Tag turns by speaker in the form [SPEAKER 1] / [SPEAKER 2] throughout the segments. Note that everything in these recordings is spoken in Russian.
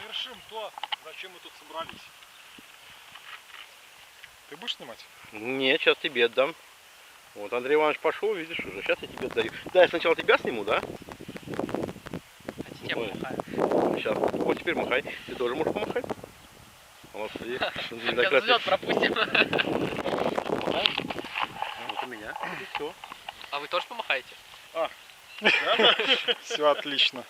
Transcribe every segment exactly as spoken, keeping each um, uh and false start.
[SPEAKER 1] завершим то, зачем мы тут собрались. Ты будешь снимать?
[SPEAKER 2] Нет, сейчас тебе отдам. Вот Андрей Иванович пошел, видишь уже. Сейчас я тебе отдаю. Да, я сначала тебя сниму, да?
[SPEAKER 3] Хотите, я помахаю?
[SPEAKER 2] Сейчас. Вот теперь махай. Ты тоже можешь помахать. Молодцы.
[SPEAKER 3] Сейчас взлет пропустим.
[SPEAKER 2] Вот у меня. И все.
[SPEAKER 3] А вы тоже помахаете?
[SPEAKER 1] Все отлично.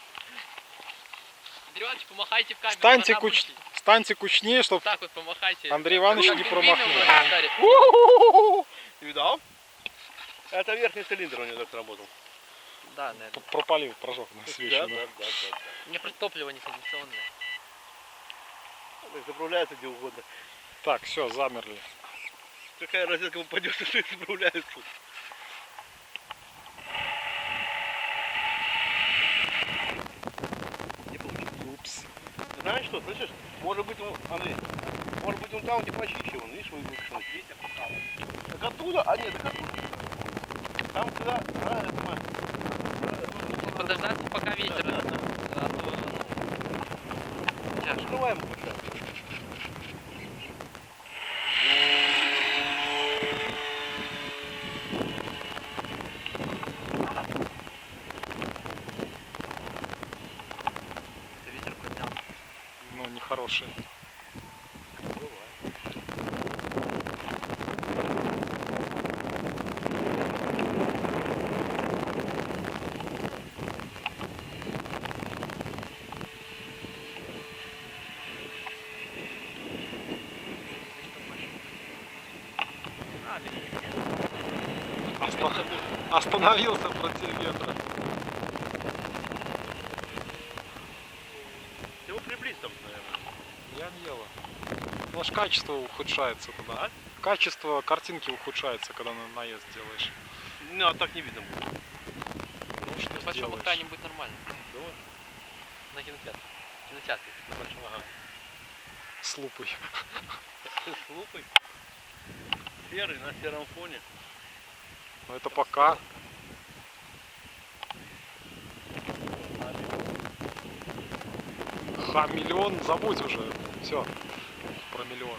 [SPEAKER 3] Андрей Иванович, помахайте в камеру.
[SPEAKER 1] Станьте,
[SPEAKER 3] она
[SPEAKER 1] куч...
[SPEAKER 3] будет.
[SPEAKER 1] Станьте кучнее, чтобы
[SPEAKER 3] Так вот помахайте.
[SPEAKER 1] Андрей Иванович
[SPEAKER 3] Как
[SPEAKER 1] не
[SPEAKER 3] пингвины
[SPEAKER 1] промахнул.
[SPEAKER 3] у нас старые.
[SPEAKER 2] Ты видал? Это верхний цилиндр у него так сработал.
[SPEAKER 3] Да, наверное.
[SPEAKER 1] пропалил, прожег на
[SPEAKER 2] Да,
[SPEAKER 1] свечу.
[SPEAKER 2] да, да, да, да.
[SPEAKER 3] У меня просто топливо нетрадиционное.
[SPEAKER 2] Так заправляется где угодно.
[SPEAKER 1] Так, все, замерли.
[SPEAKER 2] Какая розетка упадет, что их заправляется. Не получилось.
[SPEAKER 1] Упс.
[SPEAKER 2] Знаешь что, слышишь? Может быть он, Андрей, может быть он там где почище, вон, видишь, вы выпустили. Так оттуда? А нет, так оттуда. Там куда? А, это мы.
[SPEAKER 3] Подождаться, пока ветер.
[SPEAKER 2] Да, да, да.
[SPEAKER 3] А то, ну, тяжко.
[SPEAKER 2] Открываем пока.
[SPEAKER 3] Ветер поднял.
[SPEAKER 1] Ну, нехороший.
[SPEAKER 3] А, ветер.
[SPEAKER 1] Оста- Остановился против ветра.
[SPEAKER 2] Его приблизь там, наверное.
[SPEAKER 1] Я не ела. Ну, аж качество ухудшается тогда.
[SPEAKER 2] А?
[SPEAKER 1] Качество картинки ухудшается, когда на наезд делаешь.
[SPEAKER 2] Ну, а так не видно будет.
[SPEAKER 1] Ну, что
[SPEAKER 3] На большом
[SPEAKER 1] сделаешь?
[SPEAKER 3] экране будет нормально.
[SPEAKER 2] Давай.
[SPEAKER 3] На кинотеатре. Кинотеатре на большом.
[SPEAKER 2] Ага.
[SPEAKER 1] С лупой.
[SPEAKER 2] С лупой. Серый на сером фоне.
[SPEAKER 1] Но это пока. Ха, миллион, забудь уже. Все. Про миллион.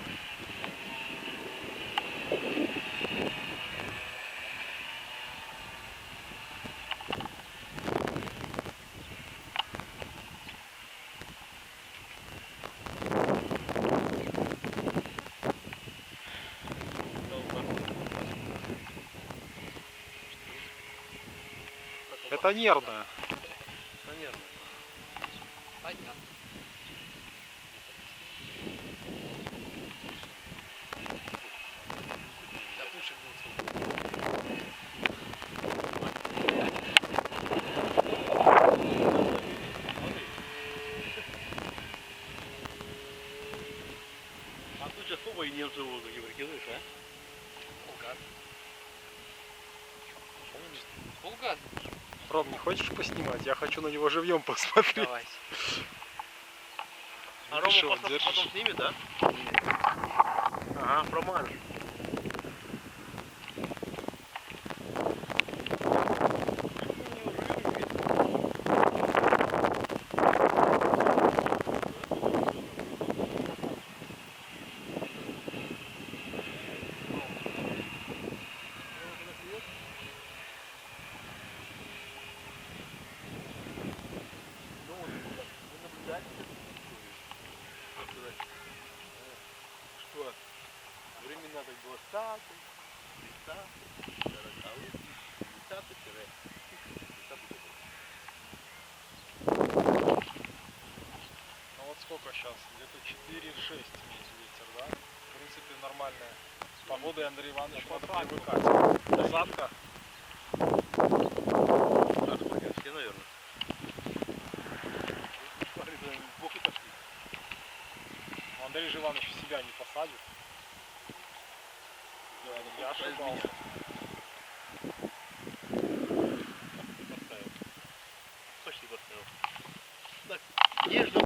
[SPEAKER 1] Это нервное.
[SPEAKER 2] Наверное.
[SPEAKER 3] Понятно. Да пушек будет.
[SPEAKER 2] А тут сейчас оба и немцы в воздухе прикидываешь, а?
[SPEAKER 3] Фулгаз. Фулгаз.
[SPEAKER 1] Ром, не хочешь поснимать? Я хочу на него живьем посмотреть.
[SPEAKER 3] Давай.
[SPEAKER 2] А
[SPEAKER 1] Видишь,
[SPEAKER 2] Рома
[SPEAKER 1] вот
[SPEAKER 2] потом,
[SPEAKER 1] держишь.
[SPEAKER 2] потом снимет, да? Ага, промажешь. Что? Времена так было статус, тридцатый, сороковый, пятидесятый, тридцатый.
[SPEAKER 1] Ну вот сколько сейчас? Где-то четыре-шесть имеется ветер, да? В принципе, нормальная погода, и Андрей Иванович может привыкать. Посадка.
[SPEAKER 2] Все, наверное. Бог и пошли.
[SPEAKER 1] Андрей же Иванович себя не посадит. Я ошибался.
[SPEAKER 2] Почти поставил. Так, нежно.